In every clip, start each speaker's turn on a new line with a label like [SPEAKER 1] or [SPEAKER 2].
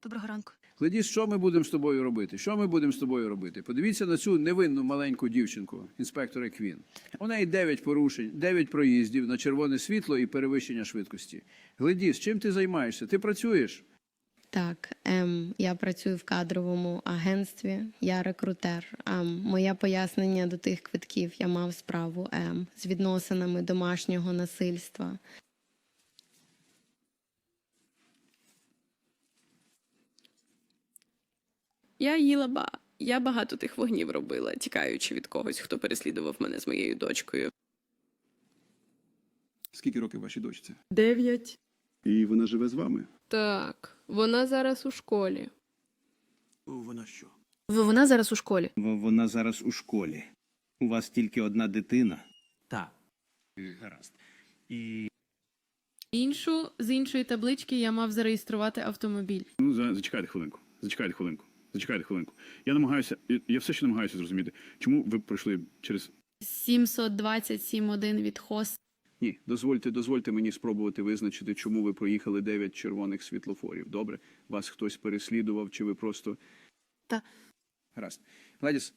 [SPEAKER 1] Доброго ранку.
[SPEAKER 2] Гладіс, що ми будемо з тобою робити? Що ми будемо з тобою робити? Подивіться на цю невинну маленьку дівчинку, інспектора Квін. У неї 9 порушень, 9 проїздів на червоне світло і перевищення швидкості. Гладіс, чим ти займаєшся? Ти працюєш?
[SPEAKER 3] Так, я працюю в кадровому агентстві, я рекрутер. Моє пояснення до тих квитків, я мав справу з відносинами домашнього насильства.
[SPEAKER 4] Я багато тих вогнів робила, тікаючи від когось, хто переслідував мене з моєю дочкою.
[SPEAKER 2] Скільки років вашій дочці?
[SPEAKER 4] 9.
[SPEAKER 2] І вона живе з вами?
[SPEAKER 4] Так, вона зараз у школі.
[SPEAKER 2] Вона що?
[SPEAKER 1] Вона зараз у школі.
[SPEAKER 5] Вона зараз у школі. У вас тільки одна дитина.
[SPEAKER 2] Так.
[SPEAKER 5] Гаразд. І
[SPEAKER 6] З іншої таблички я мав зареєструвати автомобіль.
[SPEAKER 7] Ну, зачекайте хвилинку. Я все ще намагаюся зрозуміти, чому ви пройшли через...
[SPEAKER 6] 727.1 від ХОС.
[SPEAKER 2] Ні, дозвольте мені спробувати визначити, чому ви проїхали 9 червоних світлофорів. Добре? Вас хтось переслідував, чи ви просто...
[SPEAKER 1] Та.
[SPEAKER 2] Гаразд. Гладіс,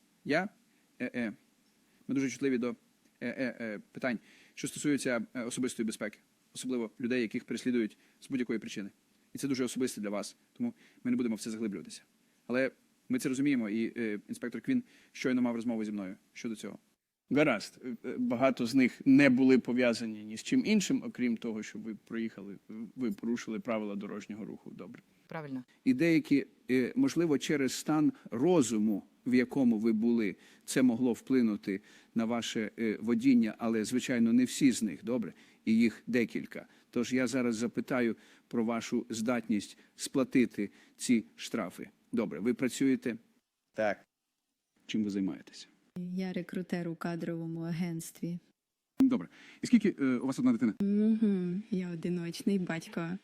[SPEAKER 2] ми дуже чутливі до питань, що стосуються особистої безпеки. Особливо людей, яких переслідують з будь-якої причини. І це дуже особисте для вас, тому ми не будемо в це заглиблюватися. Але ми це розуміємо, і інспектор Квін щойно мав розмову зі мною щодо цього.
[SPEAKER 7] Гаразд. Багато з них не були пов'язані ні з чим іншим, окрім того, що ви порушили правила дорожнього руху. Добре.
[SPEAKER 1] Правильно.
[SPEAKER 2] І деякі, можливо, через стан розуму, в якому ви були, це могло вплинути на ваше водіння, але, звичайно, не всі з них, добре? І їх декілька. Тож я зараз запитаю про вашу здатність сплатити ці штрафи. Добре, ви працюєте?
[SPEAKER 5] так.
[SPEAKER 2] Чим ви займаєтеся?
[SPEAKER 8] Я рекрутер у кадровому агентстві.
[SPEAKER 7] Добре. І скільки у вас одна дитина?
[SPEAKER 8] Я одиночний батько.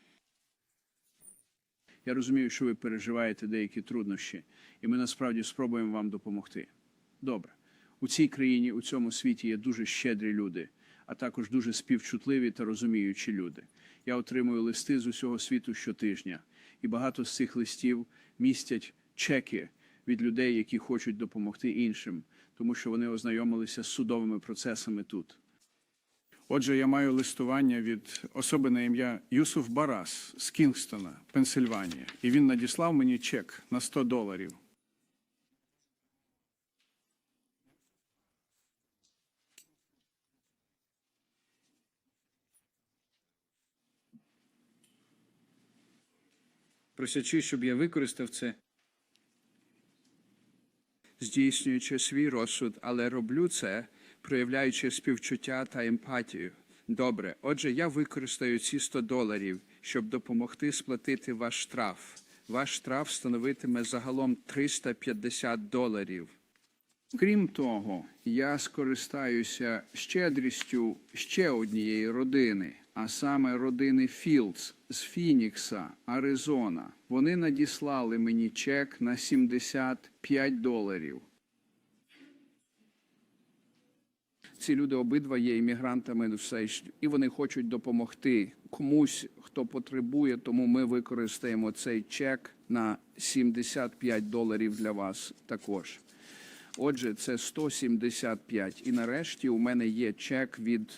[SPEAKER 2] Я розумію, що ви переживаєте деякі труднощі, і ми насправді спробуємо вам допомогти. Добре. У цій країні, у цьому світі є дуже щедрі люди, а також дуже співчутливі та розуміючі люди. Я отримую листи з усього світу щотижня, і багато з цих листів містять чеки від людей, які хочуть допомогти іншим, тому що вони ознайомилися з судовими процесами тут.
[SPEAKER 7] Отже, я маю листування від особи на ім'я Юсуф Барас з Кінгстона, Пенсильванія. І він надіслав мені чек на $100.
[SPEAKER 2] Просячи, щоб я використав це, здійснюючи свій розсуд, але роблю це, проявляючи співчуття та емпатію. Добре, отже, я використаю ці $100, щоб допомогти сплатити ваш штраф. Ваш штраф становитиме загалом $350. Крім того, я скористаюся щедрістю ще однієї родини, а саме родини Філдс з Фінікса, Аризона. Вони надіслали мені чек на $75. Ці люди обидва є іммігрантами, і вони хочуть допомогти комусь, хто потребує, тому ми використаємо цей чек на $75 для вас також. Отже, це 175. І нарешті у мене є чек від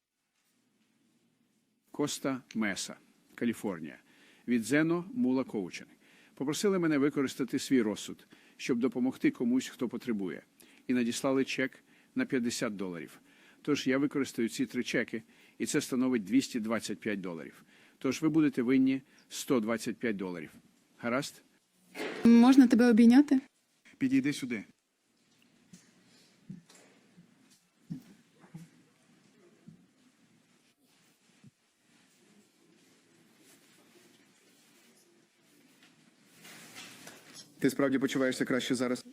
[SPEAKER 2] Коста Меса, Каліфорнія, від Зено Мула Коучинг. Попросили мене використати свій розсуд, щоб допомогти комусь, хто потребує. І надіслали чек на $50. Тож я використаю ці 3 чеки, і це становить $225. Тож ви будете винні $125. Гаразд?
[SPEAKER 8] Можна тебе обійняти?
[SPEAKER 7] Підійди сюди.
[SPEAKER 9] Ти справді почуваєшся краще зараз?